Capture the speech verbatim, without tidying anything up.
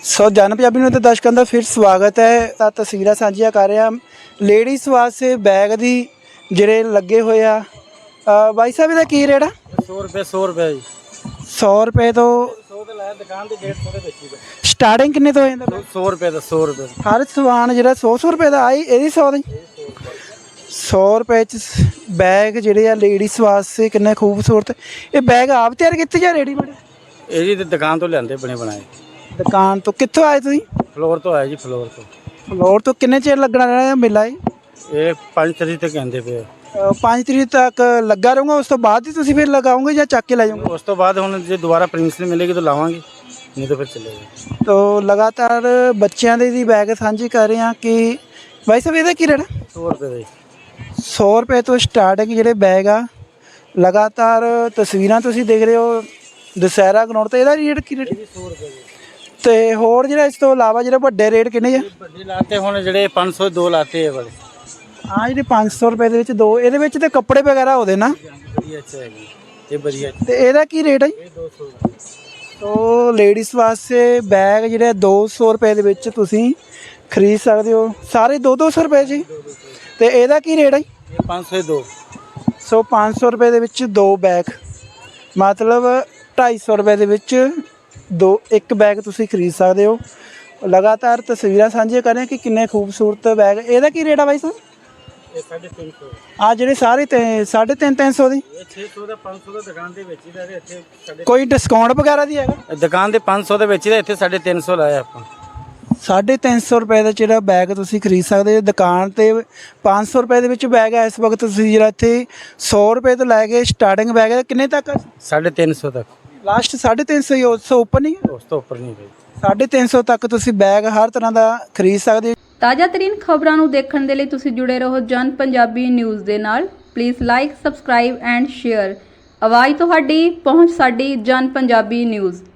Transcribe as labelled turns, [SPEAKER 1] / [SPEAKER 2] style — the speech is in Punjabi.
[SPEAKER 1] ਸੋ ਜਨ ਪੰਜਾਬੀ ਨੂੰ ਤੇ ਦਰਸ਼ਕਾਂ ਦਾ ਫਿਰ ਸਵਾਗਤ ਹੈ। ਤਾਂ ਤਸਵੀਰਾਂ ਸਾਂਝੀਆਂ ਕਰ ਰਹੇ ਹਾਂ ਲੇਡੀਜ਼ ਵਾਸਤੇ ਬੈਗ ਦੀ ਜਿਹੜੇ ਲੱਗੇ ਹੋਏ ਆ। ਬਾਈ ਸਾਹਿਬ ਇਹਦਾ ਕੀ ਰੇਟ ਆ?
[SPEAKER 2] सौ रुपये सौ रुपये जी
[SPEAKER 1] सौ रुपए तो
[SPEAKER 2] सौ तो लाया दुकान से डेढ़ सौ बेची
[SPEAKER 1] ਸਟਾਰਟਿੰਗ ਕਿੰਨੇ ਤੋਂ ਹੋ ਜਾਂਦਾ?
[SPEAKER 2] सौ रुपये का सौ रुपये
[SPEAKER 1] ਹਰ ਸਮਾਨ ਜਿਹੜਾ ਸੌ ਸੌ ਰੁਪਏ ਦਾ ਆਈ ਇਹਦੀ ਸੌ ਦਾ ਸੌ ਰੁਪਏ ਚ ਬੈਗ ਜਿਹੜੇ ਆ ਲੇਡੀਜ਼ ਵਾਸਤੇ ਕਿੰਨੇ ਖੂਬਸੂਰਤ। ਇਹ ਬੈਗ ਆਪ ਤਿਆਰ ਕੀਤੇ ਜਾਂ ਰੈਡੀਮੇਡ?
[SPEAKER 2] ਇਹ ਜੀ ਦੁਕਾਨ ਤੋਂ ਲਿਆਂਦੇ ਬਣੇ ਬਣਾਏ।
[SPEAKER 1] ਦੁਕਾਨ ਤੋਂ ਕਿੱਥੋਂ ਆਏ ਤੁਸੀਂ?
[SPEAKER 2] ਫਲੋਰ ਤੋਂ ਆਇਆ ਜੀ ਫਲੋਰ ਤੋਂ।
[SPEAKER 1] ਫਲੋਰ ਤੋਂ ਕਿੰਨੇ ਚਿਰ ਲੱਗਣਾ ਰਹਿਣਾ ਮੇਲਾ ਇਹ?
[SPEAKER 2] ਇਹ ਪੰਜ ਤਰੀਕ ਤੱਕ ਕਹਿੰਦੇ ਪਏ।
[SPEAKER 1] ਅ, ਪੰਜ ਤਰੀਕ ਤੱਕ ਲੱਗਾ ਰਹੂੰਗਾ, ਉਸ ਤੋਂ ਬਾਅਦ ਹੀ ਤੁਸੀਂ ਫਿਰ ਲਗਾਓਗੇ ਜਾਂ ਚੱਕ ਕੇ ਲੈ ਜਾਓਗੇ?
[SPEAKER 2] ਉਸ ਤੋਂ ਬਾਅਦ ਹੁਣ ਜੇ ਦੁਬਾਰਾ ਪ੍ਰਿੰਸਿਪਲ ਮਿਲੇਗੀ ਤਾਂ ਲਾਵਾਂਗੇ, ਨਹੀਂ ਤਾਂ ਫਿਰ ਚੱਲੇਗਾ।
[SPEAKER 1] ਤੋ ਲਗਾਤਾਰ ਬੱਚਿਆਂ ਦੇ ਦੀ ਬੈਗ ਸਾਂਝੀ ਕਰ ਰਹੇ ਹਾਂ ਕਿ ਬਾਈ ਸਾਹਿਬ ਇਹਦਾ ਕੀ ਰੇਟ ਆ?
[SPEAKER 2] ਸੌ ਰੁਪਏ ਦਾ ਜੀ।
[SPEAKER 1] ਸੌ ਰੁਪਏ ਤੋਂ ਸਟਾਰਟਿੰਗ ਜਿਹੜੇ ਬੈਗ ਆ। ਲਗਾਤਾਰ ਤਸਵੀਰਾਂ ਤੁਸੀਂ ਦੇਖ ਰਹੇ ਹੋ ਦੁਸਹਿਰਾ ਗਰਾਊਂਡ ਤੇ। ਇਹਦਾ ਰੇਟ ਕੀ ਰੇਟ?
[SPEAKER 2] ਸੌ ਰੁਪਏ ਜੀ।
[SPEAKER 1] ਤੇ ਹੋਰ ਜਿਹੜਾ ਇਸ ਤੋਂ ਇਲਾਵਾ ਜਿਹੜੇ ਵੱਡੇ ਰੇਟ ਕਿੰਨੇ ਆ?
[SPEAKER 2] ਵੱਡੇ ਲਾਤੇ ਹੁਣ ਜਿਹੜੇ ਪੰਜ ਸੌ ਦੋ ਲਾਤੇ ਇਹ ਵਾਲੇ।
[SPEAKER 1] ਹਾਂ ਜਿਹੜੇ ਪੰਜ ਸੌ ਰੁਪਏ ਦੇ ਵਿੱਚ ਦੋ, ਇਹਦੇ ਵਿੱਚ ਤੇ ਕੱਪੜੇ ਵਗੈਰਾ ਹੋਦੇ ਨਾ?
[SPEAKER 2] ਵਧੀਆ ਅੱਛਾ ਹੈ ਜੀ, ਇਹ ਵਧੀਆ।
[SPEAKER 1] ਤੇ ਇਹਦਾ ਕੀ ਰੇਟ ਹੈ?
[SPEAKER 2] ਇਹ ਦੋ ਸੌ ਦਾ।
[SPEAKER 1] ਤੋ ਲੇਡੀਜ਼ ਵਾਸਤੇ ਬੈਗ ਜਿਹੜੇ ਦੋ ਸੌ ਰੁਪਏ ਦੇ ਵਿੱਚ ਤੁਸੀਂ ਖਰੀਦ ਸਕਦੇ ਹੋ, ਸਾਰੇ ਦੋ ਦੋ ਸੌ ਰੁਪਏ ਜੀ। ਤੇ ਇਹਦਾ ਕੀ ਰੇਟ ਹੈ?
[SPEAKER 2] ਇਹ ਪੰਜ ਸੌ ਦੋ।
[SPEAKER 1] ਸੋ ਪੰਜ ਸੌ ਰੁਪਏ ਦੇ ਵਿੱਚ ਦੋ ਬੈਗ, ਮਤਲਬ ਢਾਈ ਸੌ ਰੁਪਏ ਦੇ ਵਿੱਚ ਦੋ ਇੱਕ ਬੈਗ ਤੁਸੀਂ ਖਰੀਦ ਸਕਦੇ ਹੋ। ਲਗਾਤਾਰ ਤਸਵੀਰਾਂ ਸਾਂਝੀਆਂ ਕਰ ਰਹੇ ਕਿ ਕਿੰਨੇ ਖੂਬਸੂਰਤ ਬੈਗ। ਇਹਦਾ ਕੀ ਰੇਟ ਆ ਬਾਈ ਸਾਹਿਬ?
[SPEAKER 2] ਇਹ ਸਾਢੇ ਤਿੰਨ ਸੌ।
[SPEAKER 1] ਆ ਜਿਹੜੇ ਸਾਰੇ ਤੇ ਸਾਢੇ ਤਿੰਨ ਤਿੰਨ ਸੌ ਦੀ?
[SPEAKER 2] ਇਹ ਛੇ ਸੌ ਦਾ ਪੰਜ ਸੌ ਦਾ ਦੁਕਾਨ ਦੇ ਵਿੱਚ ਹੀ ਦਾ, ਇੱਥੇ ਸਾਡੇ
[SPEAKER 1] ਕੋਈ ਡਿਸਕਾਊਂਟ ਵਗੈਰਾ ਦੀ ਹੈਗਾ?
[SPEAKER 2] ਦੁਕਾਨ ਦੇ ਪੰਜ ਸੌ ਦੇ ਵਿੱਚ ਹੀ ਦਾ, ਇੱਥੇ ਸਾਢੇ ਤਿੰਨ ਸੌ ਲਾਇਆ ਆਪਾਂ।
[SPEAKER 1] ਸਾਢੇ ਤਿੰਨ ਸੌ ਰੁਪਏ ਦਾ ਜਿਹੜਾ ਬੈਗ ਤੁਸੀਂ ਖਰੀਦ ਸਕਦੇ ਹੋ। ਦੁਕਾਨ ਤੇ ਪੰਜ ਸੌ ਰੁਪਏ ਦੇ ਵਿੱਚ ਬੈਗ ਹੈ। ਇਸ ਵਕਤ ਤੁਸੀਂ ਜਿਹੜਾ ਇੱਥੇ ਸੌ ਰੁਪਏ ਤੋਂ ਲੈ ਕੇ ਸਟਾਰਟਿੰਗ ਬੈਗ ਹੈ ਕਿੰਨੇ ਤੱਕ?
[SPEAKER 2] ਸਾਢੇ ਤਿੰਨ ਸੌ ਤੱਕ।
[SPEAKER 1] ਲਾਸਟ ਸਾਢੇ ਤਿੰਨ ਸੌ ਹੀ, ਉਸ ਤੋਂ ਉੱਪਰ ਨਹੀਂ?
[SPEAKER 2] ਉਸ ਤੋਂ ਉੱਪਰ ਨਹੀਂ ਗਈ।
[SPEAKER 1] ਸਾਢੇ ਤਿੰਨ ਸੌ ਤੱਕ ਤੁਸੀਂ ਬੈਗ ਹਰ ਤਰ੍ਹਾਂ ਦਾ ਖਰੀਦ ਸਕਦੇ ਹੋ।
[SPEAKER 3] ਤਾਜ਼ਾ ਤਰੀਨ ਖਬਰਾਂ ਨੂੰ ਦੇਖਣ ਦੇ ਲਈ ਤੁਸੀਂ ਜੁੜੇ ਰਹੋ ਜਨ ਪੰਜਾਬੀ ਨਿਊਜ਼ ਦੇ ਨਾਲ। Please like, subscribe and share. ਆਵਾਜ਼ ਤੁਹਾਡੀ, ਪਹੁੰਚ ਸਾਡੀ। ਜਨ ਪੰਜਾਬੀ ਨਿਊਜ਼।